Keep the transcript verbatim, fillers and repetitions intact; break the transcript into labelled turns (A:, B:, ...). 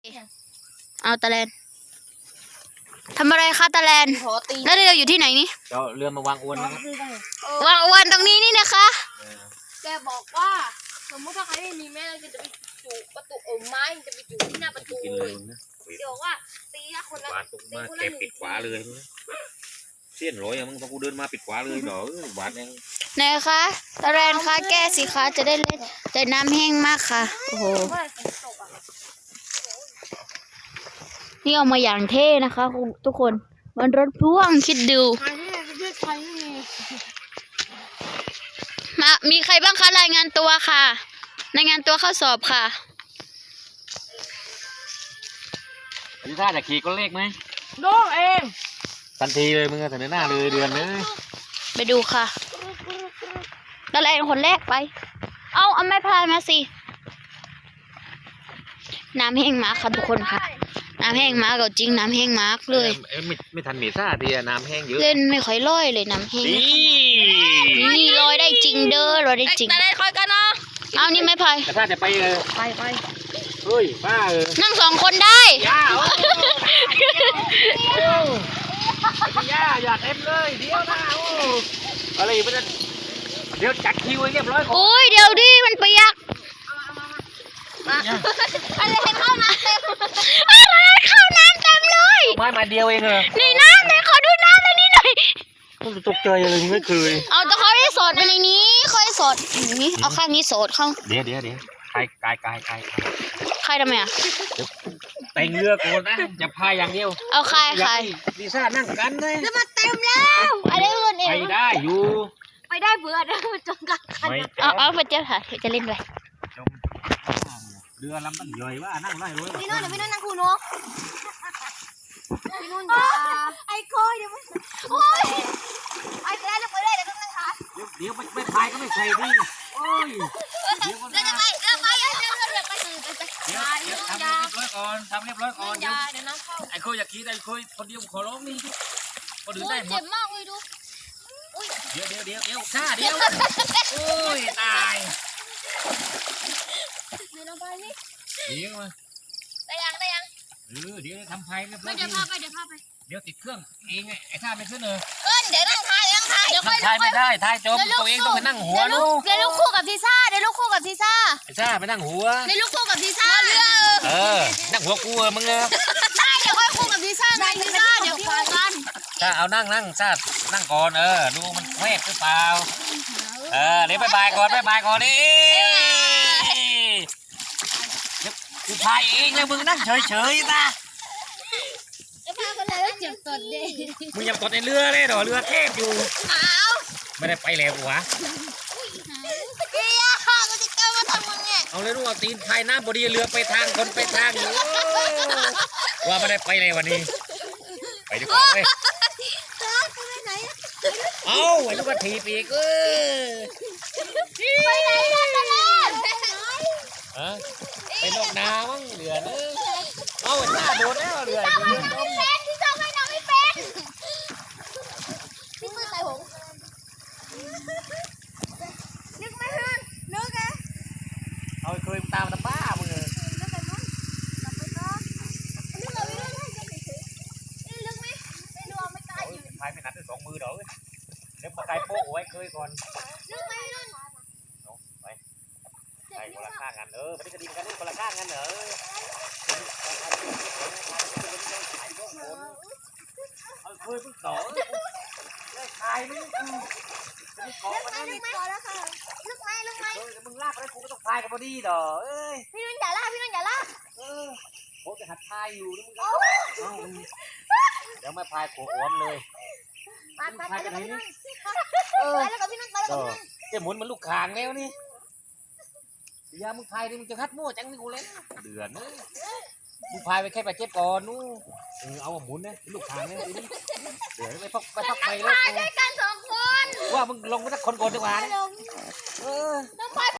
A: เอาตะแลนทำอะไรคะตะแลนแล้วเราอยู่ที่ไหนนี่
B: เราเรือมาวางอวนนะครับ
A: วางอวนตรงนี้นี่นะคะ
C: แกบอกว่าสมมติถ้าใครไม่มีแม่เราจะไปจูประตูเออไม้จะไปจูที่หน้าประตูเลยเดี๋ยวว่าตีละคนละ
B: หวานตรงมาแกปิดขวาเลยเสี้ยนร้อยมึงพอกูเดินมาปิดขวาเลยเนาะหวานเอง
A: ไหนคะตะแลนคะแก้สิคะจะได้เล่นแต่น้ำแห้งมากค่ะโอ้โหนี่เอามาอย่างเท่นะคะทุกคนมันรถพ่วงคิดดูมามีใครบ้างคะรายงานตัวค่ะรายงานตัวเข้าสอบค่ะ
B: พี่ท่าจะขี่ก้นเลขไหม
C: โดนเอง
B: ทันทีเลยมึงเสนอหน้าเลยเดือนเลย
A: ไปดูค่ะตะแลนคนแรกไปเอาเอาไม้พายมาสิน้ำแห้งมากค่ะทุกคนค่ะน้ำแห้งมากจริงน้ำแห้งมากเลย
B: ไม่ไม่ทันเมซ่าทีน้ำแห้งเยอะ
A: เล่นไม่ค่อยลอยเลยน้ำแห้งนี่ลอยได้จริงเด้อลอยได้จริง
C: แต่ได้คอยกันเนาะ
A: เอานี่ไม่พาย
B: แต่ถ้าจะไปเออ
C: ไปไป
B: เฮ้ยป้าเออ
A: นั่งสองคนได้
B: ย่าย่าอย่าเต็มเลยเดี๋ยวนะโอ้อะไรมันจะเดี๋ยวจัดคิวเรียบร้อย
A: โอ้ยเดี๋ยวดิมันเปียก
C: อะไรเข้าน้ำเต็ม
A: อะไรเข้าน้ำเต็มเลย
B: ไม้มาเดียวเองเหรอ
A: นี่น้ำเลยขอดูน้ำในนี้หน่อย
B: มันตกใจเลยไม่เคย
A: เอาแต่เขาได้สดไปในนี้เขาได้สดอย่างนี้เอาข้างนี้สดเข้า
B: เดี๋ยวเดี๋ยวเดี๋ยวใครกายกายกาย
A: ใครทำไมอ่ะ
B: แต่งเรือโกนนะจะพายอย่างเดียว
A: เอาใครใคร
B: ลิซ่านั่งกันเลย
C: แล้วมันเต็มแล้วอะไรเงินเอง
B: ไปได้อยู่
C: ไปได้เบื่อนะมันจมกัน
A: เอาเอาไปเจ้าค่ะจะเล่นด้วย
B: เรือลำมันใหญ่ว่านั่งไล่รถ
C: พี่นุ่นเดี๋ยวพี่นุ่นนั่งคูโน่พี่นุ่นอย่าไอ้คอยเดี๋ยวมันโอ้ยไอ้แล้วจะไปได้เดี๋ยวต้องนั่งขา
B: เดี๋ยวไม่ไม่พายก็ไม่ใช่ดิโอ้ย
C: เดี๋ยวจะไปเดี๋ยวไปเดี๋ยวเดี๋ยวเดี๋ยวไปเดี๋ยว
B: ทำเรียบร้อยก่อนทำเรียบร้อยก่อน
C: เดี๋ยวเดี๋ยวน้ำเข้า
B: ไอ้โคอยากขี่ไอ้โคคนเดียวขอร้องนี่คนอื่นได้หมด
C: เจ็บมากเลยดู
B: เดี๋ยวเดี๋ยวเดี๋ยวเดี๋ยวข้าเดี๋ยวโอ้ยตาย
C: เดี๋ยวลงไปนี่
B: เดี๋ยวมา
C: ได้ยังได้ยัง
B: เออเดี๋ยวทำพายเรียบร้อย
C: เดี๋ยวพาไปเดี๋ยวพาไป
B: เดี๋ยวติดเครื่องเองไงไอ้ท่าไม่ขึ้นเลย
C: เอิ้นเดี๋ยวนั่งทายนั่งทายเดี๋ยว
B: ค่อยทายไม่ได้ทายจมตัวเองต้องไปนั่งหัวลูก
C: เดี๋ยวลูกคู่กับพิซซ่าเดี๋ยวลูกคู่กับพิซซ่า
B: พิซซ่าไปนั่งหัว
C: เดี๋ยวลูกคู่กับพิซซ่าเรือ
B: เออนั่งหัวกูเออมึงเออ
C: ใช่เดี๋ยวค่อยคู่กับพิซซ่าไงพิซซ่าเดี๋ยวคู่กัน
B: ถ้าเอานั่งนั่งซ่านั่งก่อนเออดูมันแวบหรือเปล่าเออเดี๋ยวบายบายก่อนบายบายก่อนดิเดี๋ยวกูพายเองเลยมึงนั่งเฉยเฉยนะ
C: จะพาคนเลยเจ็บตดดิ
B: มึงยังตดในเรือเลยเหรอเรือเทพอยู่
C: ขาว
B: ไม่ได้ไปแล้ววะ
C: เฮียข้าก็จะเกิดมาทำมึงไง
B: เอาเลยลูกเอาตีนพายน้ำบดีเรือไปทางคนไปทางอยู่ว่าไม่ได้ไปเลยวันนี้ไปดีกว่าเว้ยเอาไอ้ลูกกระถีบอีกเออ
C: ไปไหนกันตะลอน
B: ฮะไปนอกนามั้งเรือเนอะเอาหน้าโดนแล้วเรือ
C: ไม่เป็นที่ชอบให้น้องไม่เป็นพี่มือใส่หงนึกไม่ขึ้นนึกไง
B: เอาเคยตามตาป้ามึงเลย
C: นึกไปมั้งกลับไปก็นึกเลยนึกให้กันเฉยนี่ลึกไหมไม่รู้ไม่กล้าอยู่
B: พายไม่หนักได้สองมือเด้อเดี๋ยวมาไกลโป๊ะไว้เคยก่อน
C: นึกไหมนึก
B: ไปไปคนละข้างกันเออไม่ได้กระดิ่งกันนี่คนละข้างกันเหรอเอาเคยพึ่งต่อได้ขายมึงจะมีของมัน
C: นี่พอแล้วค่ะลึกไหมลึกไหม
B: มึงลากไปได้กูก็ต้องพายกับพอดีเด้อเอ้ย
C: พี่นุ่นอย่าลากพี่นุ่นอย่าลาก
B: เออโคจะหัดพายอยู่แล้วมึงก็เดี๋ยวไม่พายโขอ้วมเลย
C: ไปไปไปแล้วพี่นุ่นไปแล้วกับพี่นุ่นไปแล้วกับพี่นุ่น
B: จะหมุนมันลูกคางแล้วนี่ยามึงพายดิมึงจะคัดมั่วจังนี่กูเลยเดือดนะมึงพายไปแค่ไปเจ็บก่อนนู้เออเอาหมุนนะลูกคางเนี่ยเดี๋ยวไปพักไปพักไปแล้ว
C: ด้วยกันสองคน
B: ว่ามึงลงไปสักคนก่อนดีกว่าเออ